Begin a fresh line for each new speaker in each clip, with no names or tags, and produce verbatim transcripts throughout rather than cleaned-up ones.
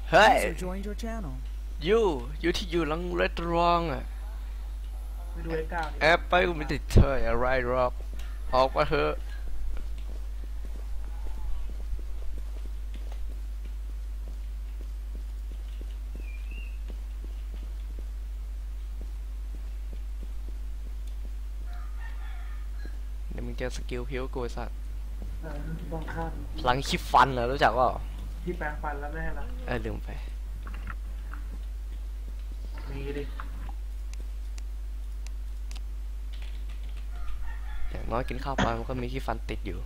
เฮ้ย
User joined your channel.
ยูยูที่อยู่หลังเรสตอรองอ่ะ
ไปดูไอ้ก้าวดิ
แอปไปกูไม่ติดเธออะไรหรอกออกมาเถอะเดี๋ยวมึงเจอสกิลพิวกูไอ้สัส
เออต้องข้าม
พลังคิดฟันเหรอรู้จักว่า
ที่แปลงฟันแล้วไม่ให้ละ
เออลืมไป
มีดิ
อย่างน้อยกินข้าวไปมันก็มีขี้ฟันติดอยู่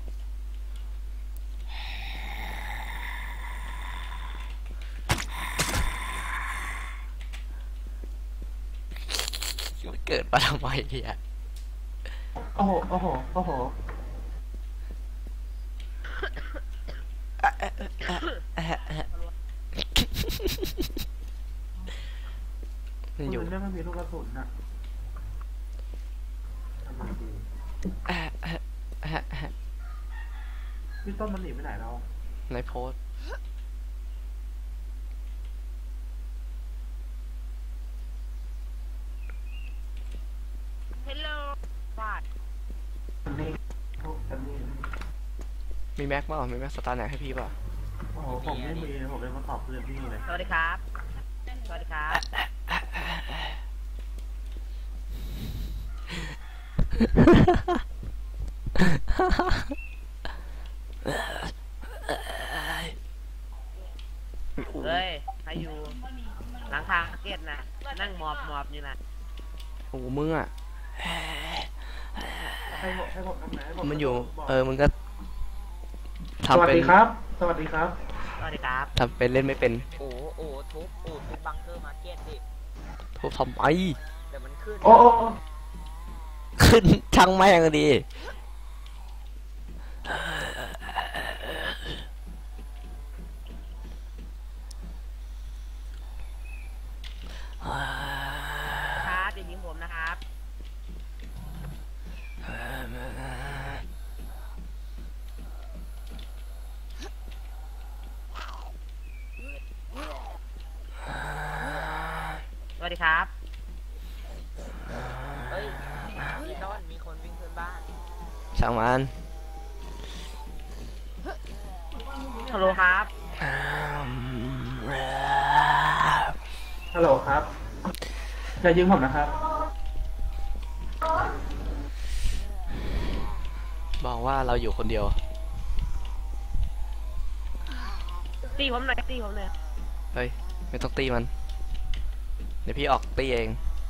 เกิดมาทำไมเนี่ย
โอ้โหโอ้โหโอ้โห
มันอยู่
มันไม่มีลูกกระสุนนะทำไมดีพี่ต้นมันหนีไปไหนแล้ว
ในโพสต์
Hello วาด
นี่พวกอันนี้
มีแม็กมั้งมีแม็กสตาร์แน็กให้พี่ป่ะ
โอ้โหผมไม่มีผมเลยมาตอบเพื่อนพี่เลย
สวัสดีครับ สวัสดีครับ เฮ้ย ใครอยู่หลังคาเกตนะนั่งหมอบหมอบอยู่นะ
โอ้มึงอ่ะ
ให้ผมให้ผมทำไหนให้ผม
มันอยู่ เออมึงก็
ส
ทำ
วัส
เป็น
ดีครับ สวัสดีครับ
สวัสดีครับ
ทำเป็นเล่นไม่เป็น
โอ้โอ้ทุบโอ้ทุบบังเกอร์มาร์เก็ตดิ
ทุบทำไม
เดี๋ยวมันขึ้น
โอ้โอ้โอ้
ขึ้นช่างแม่งดีอ่า
ครับอย่ายิงผมนะครับ สวัสดีครับ
เฮ้ยพี่ต้นมีคนวิ่งขึ้นบ้าน
ช่างมัน
ฮัลโหลครับ
ฮัลโหลครับอย่ายิงผมนะครับ
บอกว่าเราอยู่คนเดียว
ตีผมหน่อยตีผมหน่อย
เฮ้ย ไม่ต้องตีมัน เดี๋ยวพี่ออกตีเอง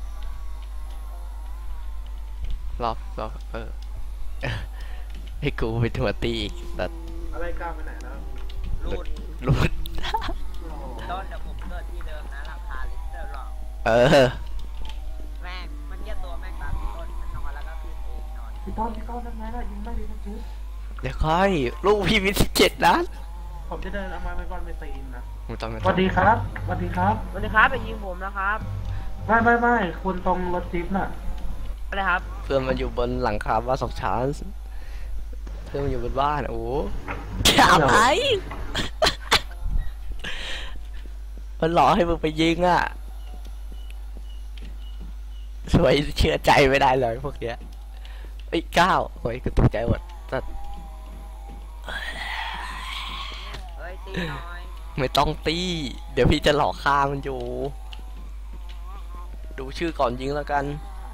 รอบรอบเออ ให้กูไปถัวตีอีกแต่
อะไรก้าวไปไหนแล้ว
รูด
รูด
โอ้โห
ต้นเดี๋ยวผมเกิดที่เดิมนะราคาลิตรหรอก
เออ
แม่งมันเยี่ยตัวแม่งตามพี่ต้นมันนอนแล้วก็ขึ้นเองนอน
พี่ต้นพี่ต้นทำไงล่ะยิงไม่ดีนะจิ๊บ
เดี๋ยวค่อย ลูกพี่มีสิบเจ็ดนัด
ผมจะเดินเอาไม้ไปก่อนไปตีนนะ
ไม่ต้องไม่
ส
ต้อง
วัสดีครับสวัสดีครับ
สวัสดีครับอย่ายิงผมนะครับ
ไม่ไม่ไม่คุณตรงรถจิ๊บน่ะ
อะไรครับ
เพื่อนมันอยู่บนหลังคาบ้านสองชั้นเพื่อนมันอยู่บนบ้าน โอ้จับไอ้ มันหลอกให้มึงไปยิงอ่ะสวยเชื่อใจไม่ได้เลยพวกเนี้ยไอ้ก้าวโอ้ยกูตกใจหมดแต่
เฮ้ยตีหน่อย
ไม่ต้องตี เดี๋ยวพี่จะหลอกฆ่ามันอยู่ ดูชื่อก่อนยิงแล้วกัน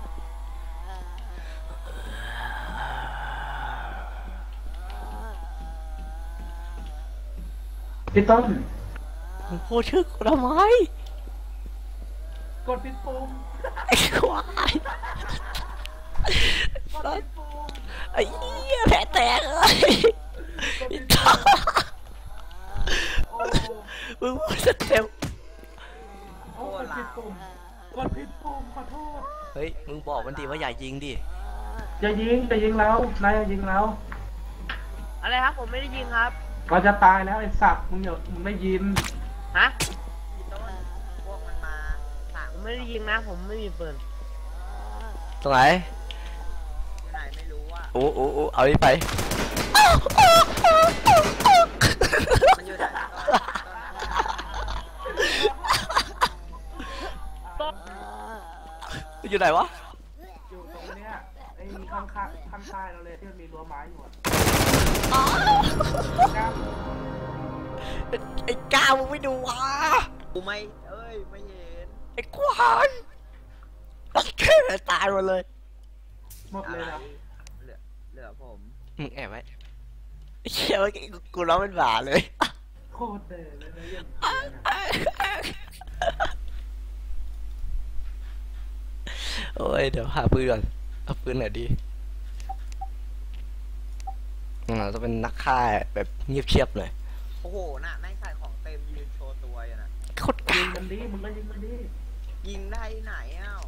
พี่ต้น
มึงพูดชื่อกูทำไม
กดปิดปุ่ม
ไอ้ควาย
กดปิดปุ่ม
ไอ้เหี้ยแผลแตกเลยไอ้ท่า
โอ้
มึงพูดสเต็ป
โอ้กดผิดปุ่มกดผิดปุ่มขอโทษ
เฮ้ย มึงบอกมันดีว่าอย่ายิงดิ
อย่ายิงอย่ายิงแล้วนายอย่ายิงแล้ว
อะไรครับผมไม่ได้ยิงครับ
เราจะตายแล้วไอ้สัตว์มึงอย่ามึงได้ยิน
ฮะ
พี่ต้นพวกมันมาสาม
ผมไม่ได้ยิงนะ ผมไม่มีปืน
ตรงไหน
อยู่ไหนไม่รู้อ่ะ
โอ้โอ้โอ้เอานี่ไป
มันอยู่ไหนต้นต้น
อยู่ไหนวะ
อยู่ตรงเนี้ยไอ้ข้างข้างข้างค่ายเราเลยที่มันมีรั้วไม้อยู่อะ
อ๋อ
ก้าว
ไอ้ก้าวมึงไม่ดูวะ
กูไม่เอ้ยไม่เห็น
ไอ้ควายโอเคตายหมดเลย
หมด
อะ
เลย
ไร
นะ
เหลือเหลือผม
มึงแอบไว้ไอ้เชี่ยเมื่อกี้กูร้องเป็นหมาเลย
โคตรเด่เลยนะเยี่ยม
โอ้ยเดี๋ยวหาปืนก่อนเอาปืนไหนดีอืมเราต้องเป็นนักฆ่าแบบเงียบเชียบหน่อย
โอ้โหน่ะแม่งใส่ของเต็มยืนโชว์ตัวอยู่น่ะ
โคตร
ยิ
กาง
มันดิมึงก็ยิงมันดิ
ยิงได้ไหนเอ้า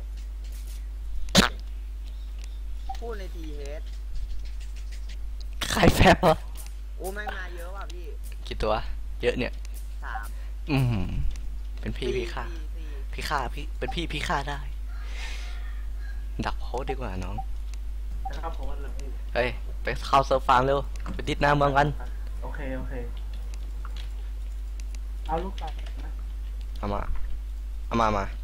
พูดในทีเฮด
ใครแฟบวะ
โอ้แม่งมาเยอะว่ะพี่
กี่ตัว เยอะเนี่ย
สาม
อืมเป็นพี่พี่ฆ่า
สี่สี่
พี่ฆ่าพี่เป็นพี่พี่ฆ่าได้ ดักโพสต์ดีกว่าน้อง
นะครับผมว่าเลยพี่
เฮ้ยไปเข้าเซิร์ฟฟาร์มเร็วไปดิดหน้าเมืองกัน
โอเคโอเคเอาลูกไปนะ
เอามาเอามามา